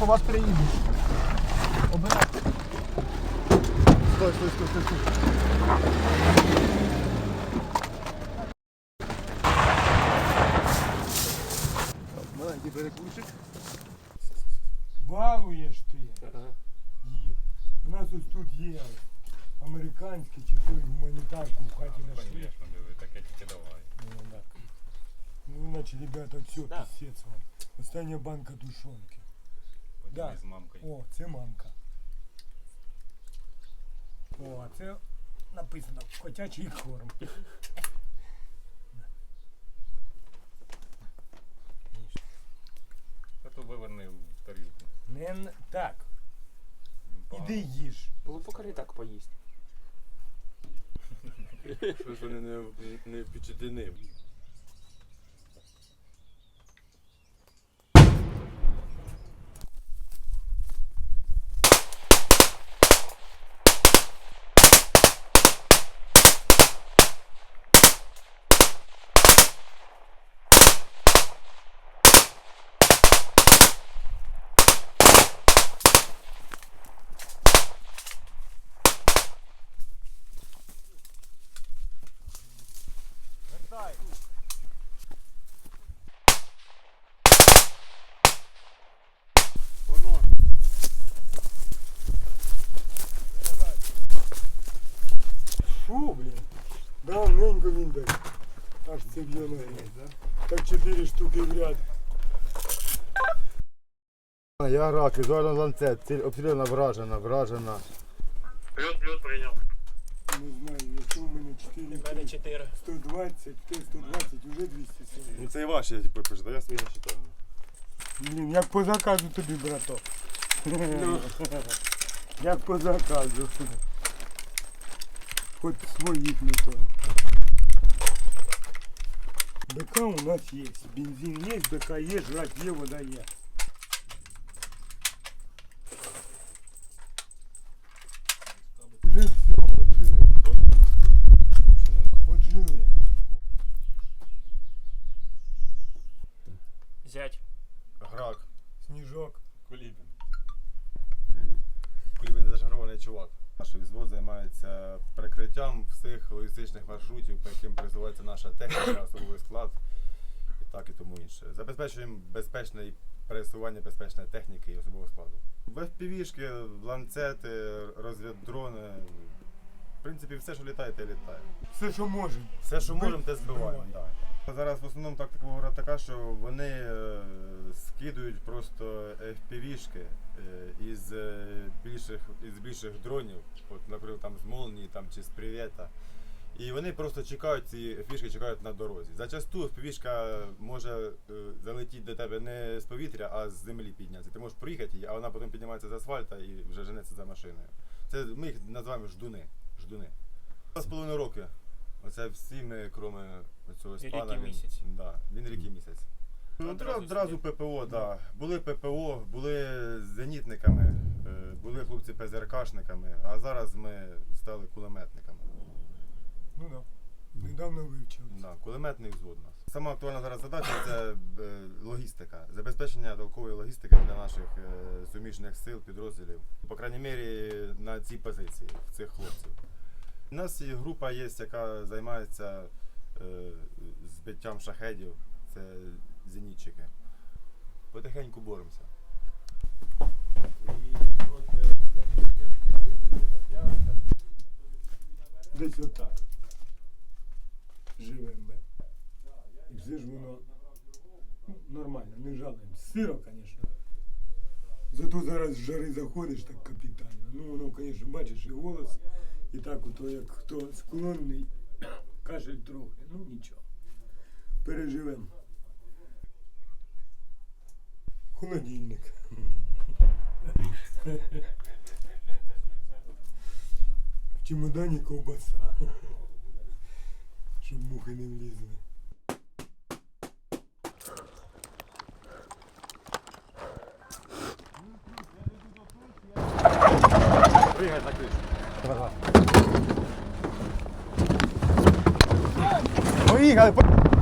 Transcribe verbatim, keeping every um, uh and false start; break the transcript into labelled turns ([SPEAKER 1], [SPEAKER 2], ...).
[SPEAKER 1] по вас приїдуть. Обирайте.
[SPEAKER 2] Стой, стой, стой, стой, стой. Маленький перекурчик.
[SPEAKER 3] Балуєш ти
[SPEAKER 2] Ага.
[SPEAKER 3] їх. У нас ось тут є американські чи той гуманітарку в хаті нашли.
[SPEAKER 4] Конечно, диви, таке тільки давай.
[SPEAKER 3] Ну, так. Ну, значить, ребята, все,
[SPEAKER 5] Да.
[SPEAKER 3] писець вам. Остання банка тушонки. Да.
[SPEAKER 4] Поділись з мамкою.
[SPEAKER 3] О, це мамка. О, а це написано котячий корм.
[SPEAKER 4] А то виверни в тарілку.
[SPEAKER 3] Не н- так,
[SPEAKER 4] Він погано.
[SPEAKER 3] іди їж.
[SPEAKER 5] Було покажи так поїсть.
[SPEAKER 2] Щось вони не, не впечатлені.
[SPEAKER 3] Вертай.
[SPEAKER 2] Воно.
[SPEAKER 3] Фу, блін. Давненько він так. Аж це б'є ноги. Так чотири штуки в ряд.
[SPEAKER 2] Я рак, візуально ланцет, ціль обстріляна, вражена, вражена.
[SPEAKER 4] Плюс, плюс прийняв.
[SPEAKER 3] Не знаю, якщо у мене чотири,
[SPEAKER 5] чотири.
[SPEAKER 3] сто двадцять, Т сто двадцять, вже двісті сорок.
[SPEAKER 2] Ну це і ваші, я типу пишу, я свої не читаю.
[SPEAKER 3] Блін, як по заказу тобі, браток. Як по заказу. Хоч своїх не то. БК у нас є. Бензин є, БК є, жрать є, вода є. Уже все, отжили. Отжили.
[SPEAKER 5] Зять.
[SPEAKER 2] Грак,
[SPEAKER 3] Сніжок.
[SPEAKER 2] Кулібін. Кулібін зашарований чувак. Наш взвод займається прикриттям всіх логістичних маршрутів, по яким присувається наша техніка, особовий склад і так і тому інше. Забезпечуємо безпечне пересування безпечної техніки і особового складу. В еф пі ві-шки, ланцети, розвіддрони. В принципі, все, що літає, те літає.
[SPEAKER 3] Все, що можемо.
[SPEAKER 2] Все, що можемо, те збиваємо.
[SPEAKER 3] Збиваємо.
[SPEAKER 2] Да. Зараз в основному тактика ворога така, що вони е, скидують просто еф пі ві-шки е, із, е, більших, із більших дронів, от, наприклад, там з Молнії там, чи з Привєта. І вони просто чекають, ці еф пі ві-шки чекають на дорозі. Зачасту еф пі ві-шка може е, залетіти до тебе не з повітря, а з землі піднятися. Ти можеш проїхати її, а вона потім піднімається з асфальта і вже женеться за машиною. Це, ми їх називаємо ждуни. ждуни. Два з половиною роки. Оце всі ми, крім цього спана.
[SPEAKER 5] Рік і
[SPEAKER 2] він-
[SPEAKER 5] місяць.
[SPEAKER 2] Да, він рік і місяць. Ну,
[SPEAKER 5] Одразу
[SPEAKER 2] одразу
[SPEAKER 5] сюди.
[SPEAKER 2] ППО, да. Були ППО, були зенітниками, е, були хлопці ПЗРКшниками, а зараз ми стали кулеметниками.
[SPEAKER 3] Ну так. Да. Недавно вивчив.
[SPEAKER 2] Да, кулеметний взвод у нас. Сама актуальна зараз задача це е, логістика, забезпечення толкової логістики для наших е, суміжних сил, підрозділів. По крайній мірі на цій позиції, в цих хлопців. У нас є група є, яка займається е, збиттям шахедів, це зенітчики. Потихеньку боремося.
[SPEAKER 3] Десь отак. Живемо ми. І все ж воно ну, нормально, не жалуємо. Сиро, звісно. Зато зараз з жари заходиш так капітально. Ну воно, звісно, бачиш і голос, і так ото, як хто склонний, кашель трохи, ну нічого. Переживемо. Холодильник. В чемодані ковбаса. Щоб мухи не влізли.
[SPEAKER 2] Пригай на кришу.
[SPEAKER 3] Ага.
[SPEAKER 2] Поїхали!